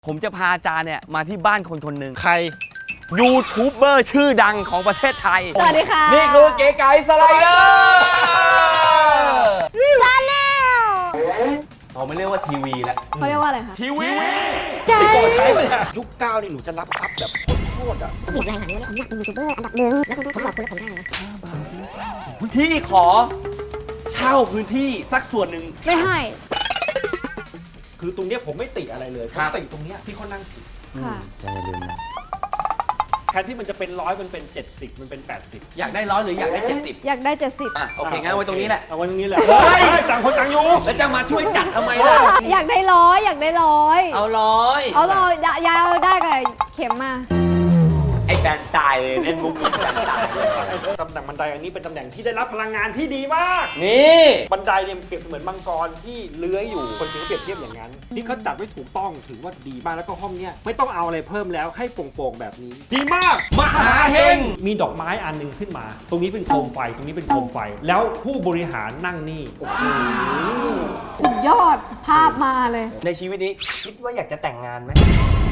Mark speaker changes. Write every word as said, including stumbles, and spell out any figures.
Speaker 1: ผมจะพาอาจารย์เนี่ยมาที่บ้านคนคนหนึ่ง
Speaker 2: ใคร
Speaker 1: ยูทูบเบอร์ชื่อดังของประเทศไทย
Speaker 3: สวัสดีค่ะ
Speaker 1: นี่คือเก๋ไก่สไลเดอร์เราไม่เรียกว่าทีวีแล้ว
Speaker 3: เขาเรียกว่าอะไรคะ
Speaker 1: ทีวี
Speaker 3: ใช่
Speaker 2: ไปก่อนใช้ไปเนี่ยยุคเก้านี่หนูจะรับอัพแบบโคตรๆอ่ะ
Speaker 4: หยิบรายหลังเนี่ยผมอยากเป็นยูทูบเบอร์อันดับหนึ่งแล้วฉันผมบอกคุณแล้วผมได้นะ
Speaker 1: พี่ขอเช่าพื้นที่สักส่วนหนึ่ง
Speaker 3: ไม่ให้
Speaker 2: คือตรงเนี้ยผมไม่ติอะไรเลยผ
Speaker 1: ครั
Speaker 2: ม
Speaker 1: บ
Speaker 2: ติตรงเนี้ยที่เขานั่งผิด
Speaker 3: ค่ะ
Speaker 1: อย่าลืมนะ
Speaker 2: แทนที่มันจะเป็นร้อยมันเป็นเจ็ดสิบมันเป็นแปดสิบ
Speaker 1: อยากได้ร้อยหรืออยากได้เจ็ดสิบ
Speaker 3: อยากได้เจ็ดสิบ
Speaker 1: อ่ะโอเคงั้นเอาไว้ตรงนี้แหละ
Speaker 2: เอาไว้ตรงนี้แหละ
Speaker 1: เฮ้ย
Speaker 2: ต่างคนต่างอยู่
Speaker 1: แล้วจะมาช่วยจัดทำไมล่ะ
Speaker 3: อยากได้ร้อยอยากได้ร้อย
Speaker 1: เอาร้อย
Speaker 3: เอาร้อยยายเอาได้กับเข็มมา
Speaker 1: ไอ้แบนตายเลยเล่นมุกนี้แบนตายเลย
Speaker 2: ตำแหน่งบันไดอันนี้เป็นตำแหน่งที่ได้รับพลังงานที่ดีมาก
Speaker 1: นี่
Speaker 2: บันไดเนี่ยเปรียบเสมือนมังกรที่เลื้อยอยู่คนถึงเปรียบเทียบอย่างนั้น นี่เขาจัดไว้ถูกต้องถือว่าดีมากแล้วก็ห้องเนี้ยไม่ต้องเอาอะไรเพิ่มแล้วให้โปร่งๆแบบนี้ ดีมากมหาเฮงมีดอกไม้อันหนึงขึ้นมา ตรงนี้เป็นโคมไฟตรงนี้เป็นโคมไฟ แล้วผู้บริหารนั่งนี่โอ้โห
Speaker 3: สุดยอดภาพมาเลย
Speaker 1: ในชีวิตนี้คิดว่าอยากจะแต่งงานไหม